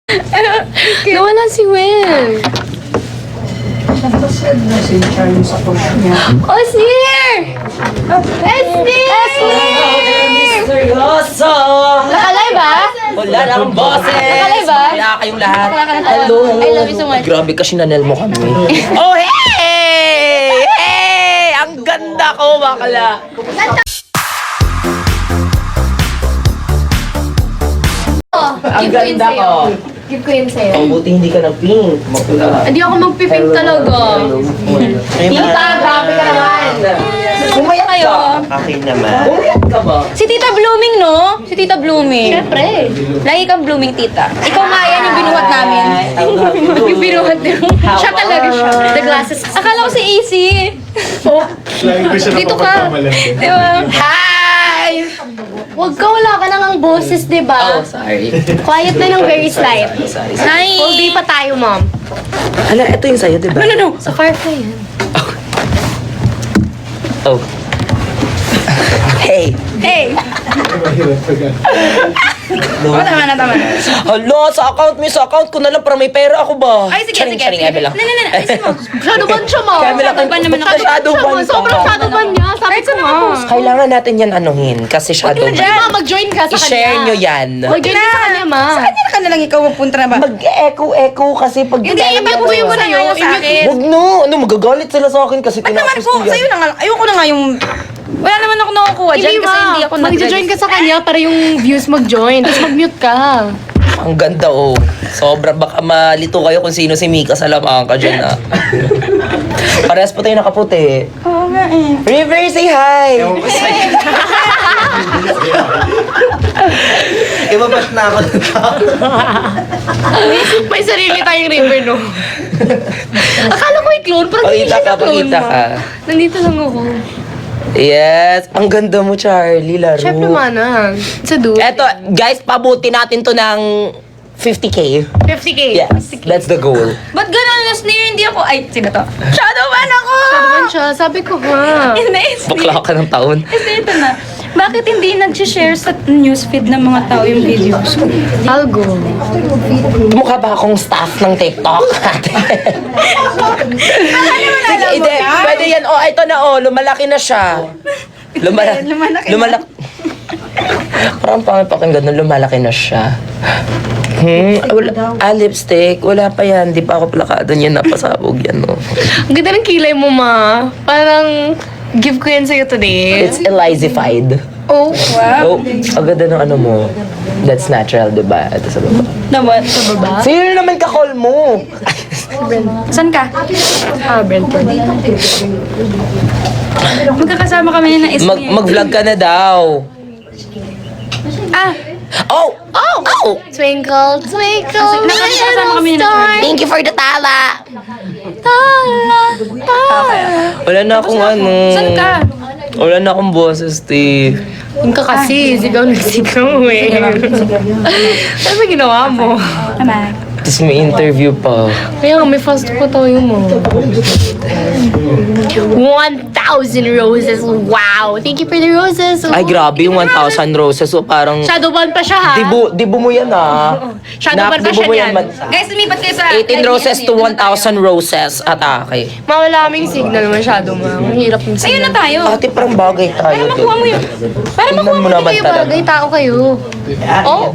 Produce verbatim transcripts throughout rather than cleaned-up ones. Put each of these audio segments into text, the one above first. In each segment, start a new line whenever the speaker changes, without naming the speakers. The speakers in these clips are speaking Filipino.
Nawala si Will.
Napasad na si Charlie sa post niya.
Osir! Osir!
Seryoso!
Nakalay ba?
Wala na akong boses!
Nakalay ba?
Wala kayong lahat.
Wala ka na-
Hello!
I love you so much.
Grabe ka, sinanel mo kami. Oh, hey! Hey! Ang ganda ko, bakla! Ang ganda ko.
Give ko yun sa'yo.
Ang buti hindi ka nag-pink. Makula.
Hindi ako magpipink talaga.
Tita, grabe ka naman!
Bumaya kayo.
Akin naman.
Umiyak ka ba?
Si Tita Blooming, no? Si Tita Blooming. Siyempre. Lagi kang blooming, Tita. Ikaw nga yan yung binuhat namin. Yung binuhat niyo. Siya talaga siya. The glasses. Akala ko si A C. Oh. Dito ka. Di ba? Hi! Wag ka, wala ka nang ang boses, di ba?
Oh, sorry.
Quiet na ng very slight.
Sorry.
Hi! All day pa tayo, mom.
Ala, ito yung sa'yo, di ba?
No, no, no. Sa Firefly yan.
Oh. Hey!
Hey!
No.
Oh, tama na, tama na.
Hala, sa account mo, sa account ko na lang para may pera ako ba?
Ay, sige,
Charing,
sige.
charing,
sige.
ebe lang.
No, no, no. Ayusin mo. Shadow ban siya, mom.
Kaya may
Shadow ban naman ako.
Shadow ban ka.
Sobrang shadow ban niya. Sabi ko na.
Kailangan natin yan anuhin kasi shadow
Hindi
ban.
ma, mag-join ka sa kanya.
I-share nyo yan.
Mag-join ka sa kanya, ma.
Sa kanya na ka na lang ikaw mapunta na ba?
Mag-echo-echo kasi pag...
Hindi, i-mute mo yung sa'yo. I-mute mo.
Huwag no! Ano, magagalit sila sa akin kasi
Ba't naman
tinapos
po?
ko
Sa'yo
yan.
na nga. Ayoko na nga yung... Wala naman ako nakukuha dyan
Hindi,
kasi
ma.
hindi ako
Mag-join ka sa kanya para yung views mag-join. Tapos mag-mute ka.
Ang ganda oh. Sobrang baka malito kayo kung sino si Mika sa lamang ka dyan ah. Parehas po tayo nakaputi.
Oo nga eh.
River, say hi!
Ibabash na ako ng tao.
May sarili tayong river, no? Akala ko i-clone. Parang hindi
Pakita
siya
ka,
na-clone,
pakita
ma.
ka.
Nandito lang ako.
Yes! Ang ganda mo, Charlie, laro.
Siyempre, mana. Sa dude.
Eto, guys, pabuti natin to ng fifty K.
fifty K.
Yes, that's the goal.
Ba't gano'n na sneer? Hindi ako... Ay, sino to? Shadow ban ako!
Shadow ban siya. Sabi ko nga.
Hindi, sneer.
Bakla ka ng taon.
Kasi ito na. Bakit hindi nag-share sa newsfeed ng mga tao yung videos?
I'll go.
Mukha ba akong staff ng TikTok? Sige, hindi. Pwede yan. Oh, ito na oh. Lumalaki na siya. Lumala
Lumalaki na.
Lumalaki. Parang pangit pakinggan na lumalaki na siya. Hmm, wala, ah, lipstick. Wala pa yan. Di pa ako plakado niyan. Napasabog yan, no.
Ang ganda ng kilay mo, ma. Parang give ko yan sa'yo today.
It's Elizified.
Oh, wow.
Oh, ang ganda ng ano mo. That's natural, di ba? Ito sa baba.
Naman.
Sa baba?
Sino naman ka-call mo?
Saan ka?
Ah, Brentford.
Magkakasama kami na
Mag
Ismael.
mag-vlog ka na daw.
Ah!
Oh! Oh! Oh!
Twinkle, twinkle,
Nakakasama kami
little
na
star.
Thank you for the tala!
Tala, tala.
Wala na akong ano.
Saan ka?
Wala na akong boses, Steve.
Yung ka kasi, sigaw na sigaw eh. Ano ba ginawa mo?
Tama.
Tapos may interview pa.
Kaya nga, may fast po tayo mo. one thousand roses. Wow! Thank you for the roses.
Ay, grabe yung one thousand roses. So, parang...
Shadow ban pa siya, ha?
Dibu, dibu mo yan, ah.
Shadow ban pa
dibu
siya
mo
niyan.
man.
Guys, lumipat kayo sa...
eighteen roses to one thousand roses. Atake.
Mawala kaming signal masyado, ma. Ang hirap yung
Ayun na
signal.
tayo.
Ate, parang bagay tayo.
Para makuha mo yun. Para
Tingnan
makuha
mo
mo
naman
Kayo
talaga.
bagay, tao kayo. Oh,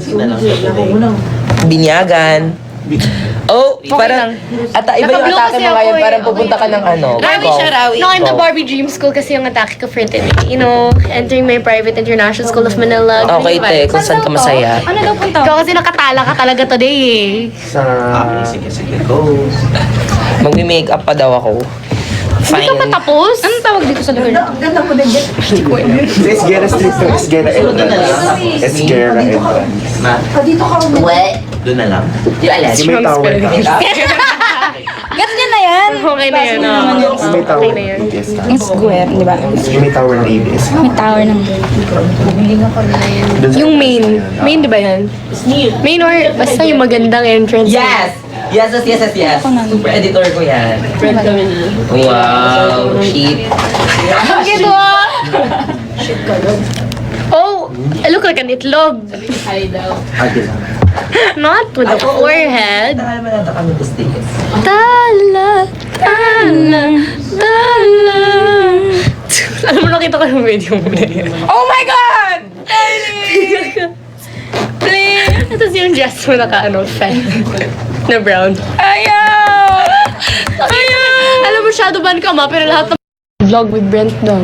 Binyagan. Oh, parang... Ata, iba yung
Naka-blue
atake
kasi
mo
ako
ngayon.
eh.
Parang pupunta ka ng ano.
Rawi
golf.
siya, Rawi.
no, I'm the Barbie Dream School kasi yung atake ko for today. You know, entering my private international school of Manila.
Okay, te. Kung saan ka masaya.
Ano daw punta?
Ikaw kasi nakatala ka talaga today eh.
Sa... Sige, sige, go.
Magmi-makeup pa daw ako.
Hindi ka pa
Fine.
tapos?
Anong tawag dito sa lugar?
Sa Esguera Street to Esguera entrance. Esguera entrance.
Ma. What?
Doon na lang.
Yung alas.
Yung may tower ka.
Gets niya na yan.
Okay na yun, ah.
Yung may tower
Okay na yun.
ng A B S ka.
Yung square, di ba?
Yung may tower ng A B S.
May tower ng...
Doon sa-
Yung main. Main, di ba yan? Main or basta yung magandang entrance.
Yes! Yes, yes, yes, yes, yes. Super editor ko yan. Wow, shit.
Ang ginawa! Oh, I look like an itlog.
Ate lang.
Not with the forehead.
Tagal naman nata kami this days.
Tala, tala, tala. Alam mo, nakita ko yung video mo na yun.
Oh my God! Kylie! Please!
Tapos yung dress mo naka, ano, fan. Na brown.
Ayaw! Ayaw!
Alam mo, shadow ban ka ma, pero lahat ng vlog with Brent daw.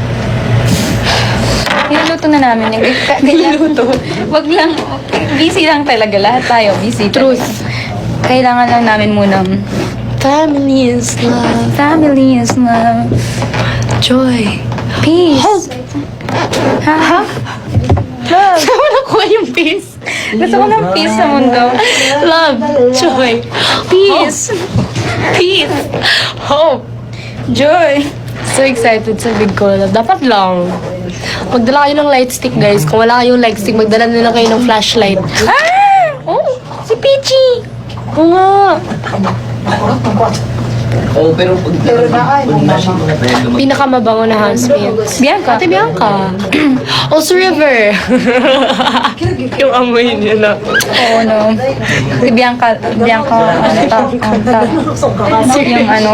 Niluluto na namin yung Niluluto? Wag lang. Busy lang talaga. Lahat tayo. Busy.
Truth.
Kailangan lang namin muna.
Family is love.
Family is love.
Joy.
Peace. Ha? Ha? Love.
Saan mo nakuha yung peace?
Gusto ko ng peace sa mundo.
Love. Joy. Peace. Peace. Hope.
Joy.
So excited sa big collab. Dapat lang. Magdala kayo ng light stick, guys. Kung wala kayong light stick, magdala na lang kayo ng flashlight.
Ah! Oh, si Peachy.
Oo nga.
Oh, pero pag pag nasi mo na tayo
Pinakamabango na housemates.
Bianca.
Ate Bianca. Also River. Yung amoy niya na.
Oo, no. Si Bianca, Bianca, ano, ta, um, ta, yung ano,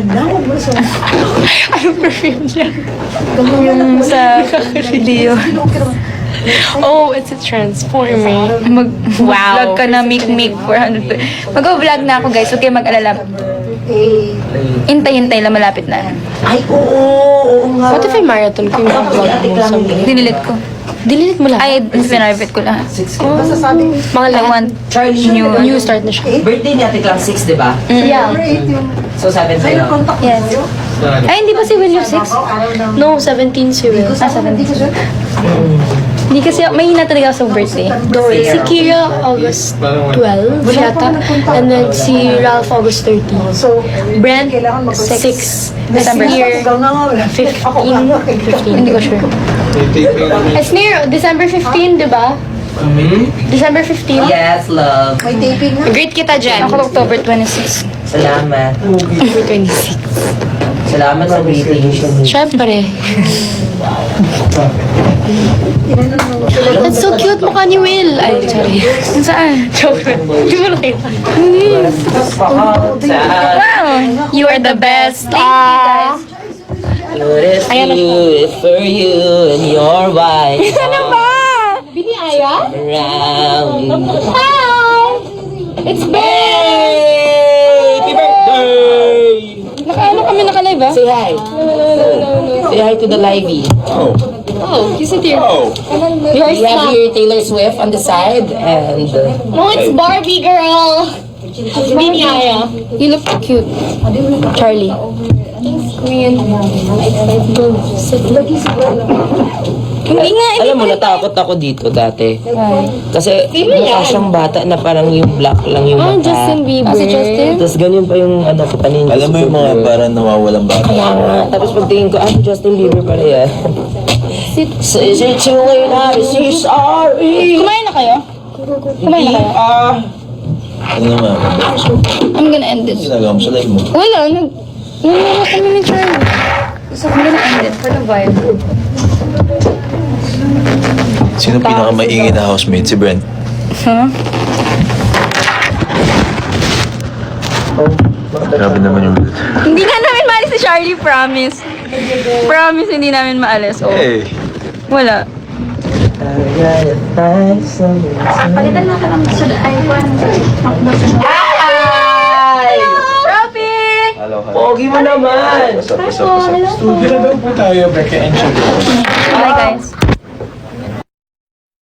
Anong perfume niya?
yung sa video.
Oh, it's a transformer.
Mag-vlog ka na, make-make four hundred. Mag-vlog na ako, guys. Okay, mag-alala. Hintay-hintay lang, malapit na.
Ay, oo, oo nga.
What if I marathon ko yung vlog mo someday?
Dinilit ko.
Delete mo lang.
Ay, pinarivate ko lahat.
Mga
I
lahat.
want
Charlie,
new.
New start na siya.
birthday ni Ate Clang six, di ba?
Yeah.
So, seven sa'yo.
Yes. Ay, hindi ba si Will six?
No, seventeen si Will.
Ah, seventeen. Hindi kasi, may hina talaga ako sa birthday.
Si Kira, August twelve, yata. And then si Ralph, August thirteen. Brent, six.
December.
Esnir, fifteen. fifteen.
Hindi ko sure.
Esnir, December fifteen, di ba? December fifteen?
Yes, love.
Great kita dyan.
Ako October twenty-six.
Salamat.
October twenty-six.
Salamat sa greetings.
Siyempre. That's so cute mukha ni Will. Ay, sorry.
Saan?
Joke. Di mo nakita.
Wow!
You are the best.
Thank you, guys.
Notice you for you and your wife.
Ano ba?
Bini Aya?
Around.
Hi! It's Ben!
Happy birthday!
Naka-ano kami naka-live ah?
Say hi. Say hi to the livey.
Oh, you sit here.
We have here Taylor Swift on the side and
No, it's Barbie, girl. Bini Aya.
You look cute. Charlie.
Queen.
Hindi nga, hindi
alam mo, natakot ako dito dati.
Why?
Kasi mukha siyang bata na parang yung black lang yung
Oh,
mata.
Justin Bieber.
Ah, si Justin?
Tapos ganyan pa yung ano ko panin.
Alam mo yung mga parang nawawalang bata.
Kaya nga. Tapos pagtingin ko, ah, Justin Bieber pala yan. So, is it too late now to say sorry?
Kumain na kayo? Kumain na kayo?
Ah,
Ano naman?
I'm gonna end this.
Ginagawa mo sa live mo?
Wala, nag... Nangyari kami ni Charlie. So, I'm gonna end it for the vibe.
Sino pinakamaingay na housemate? Si Brent.
Huh?
Grabe naman yung...
Hindi nga namin maalis si Charlie, promise. Promise, hindi namin maalis. Oh.
Hey!
Wala. Palitan na ka ng iPhone.
Ay!
Trophy!
Hello, hello.
Pogi mo naman!
What's up, what's up, what's up? Studio na daw po tayo, Becca and Shelby.
Bye, guys.